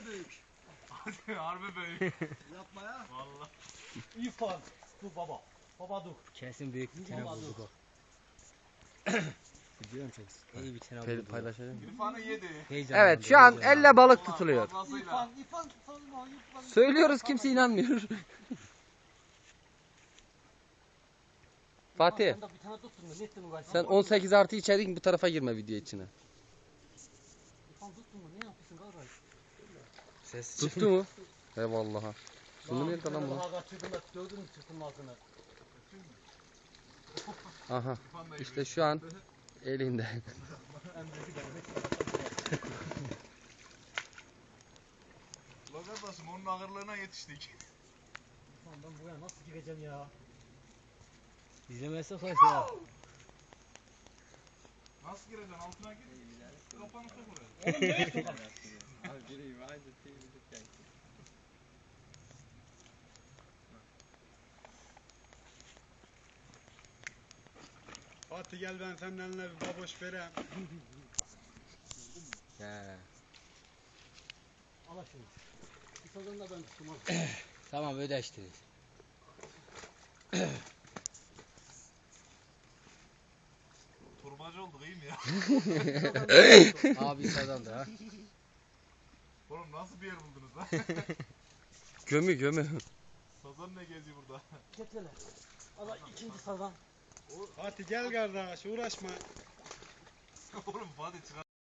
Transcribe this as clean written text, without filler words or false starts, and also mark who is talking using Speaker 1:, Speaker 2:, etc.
Speaker 1: ne büyük.
Speaker 2: Harbi büyük.
Speaker 1: Yapma ya.
Speaker 2: Vallahi.
Speaker 1: İrfan. Dur baba. Baba dur.
Speaker 3: Kesin büyük bir tane
Speaker 1: Baba
Speaker 3: buldu
Speaker 1: dur.
Speaker 3: bak. Biliyor musun? İyi bir tane buldu.
Speaker 4: Paylaşacağım.
Speaker 2: İrfan'ı yedi.
Speaker 4: Evet şu an elle balık tutuluyor.
Speaker 2: Fazlasıyla.
Speaker 1: İrfan sorma. İrfan.
Speaker 4: Söylüyoruz kimse inanmıyor. Fatih
Speaker 1: Sen de bir tane tuttun mu? Ne ettin uğraş?
Speaker 4: sen 18 artı içerik bu tarafa girme video içine.
Speaker 1: İrfan tuttun mu? Ne yapıyorsun kardeş?
Speaker 3: Ses
Speaker 4: Tuttu mu? Eyvallah. Bunu nerede lan bu?
Speaker 1: Daha kaçırdın da gördün mü çıktın ağzını?
Speaker 4: Aha. İşte şu an elinde.
Speaker 2: Lan kardeşim onun ağırlığına yetiştik.
Speaker 1: İrfan ben buraya nasıl gireceğim ya?
Speaker 3: İzlemezse hoş ya.
Speaker 2: Nasıl gireceksin? Altına gir. Kafanı sok oraya.
Speaker 1: Oğlum ne ettin?
Speaker 5: Fatih gel ben senin eline bir baboş vereyim.
Speaker 4: He.
Speaker 1: Al şunu. Bir sazını da ben tuttum al.
Speaker 3: Tamam ödeştiniz.
Speaker 2: Turbacı olduk iyi mi ya?
Speaker 3: Abi kazandı ha.
Speaker 2: Oğlum nasıl bir yer buldunuz lan?
Speaker 4: Gömü.
Speaker 2: Sazan ne geziyor burada?
Speaker 1: Getir hele. Al ikinci sazan.
Speaker 5: Fatih gel kardeş uğraşma.
Speaker 2: Oğlum Fatih çıkar.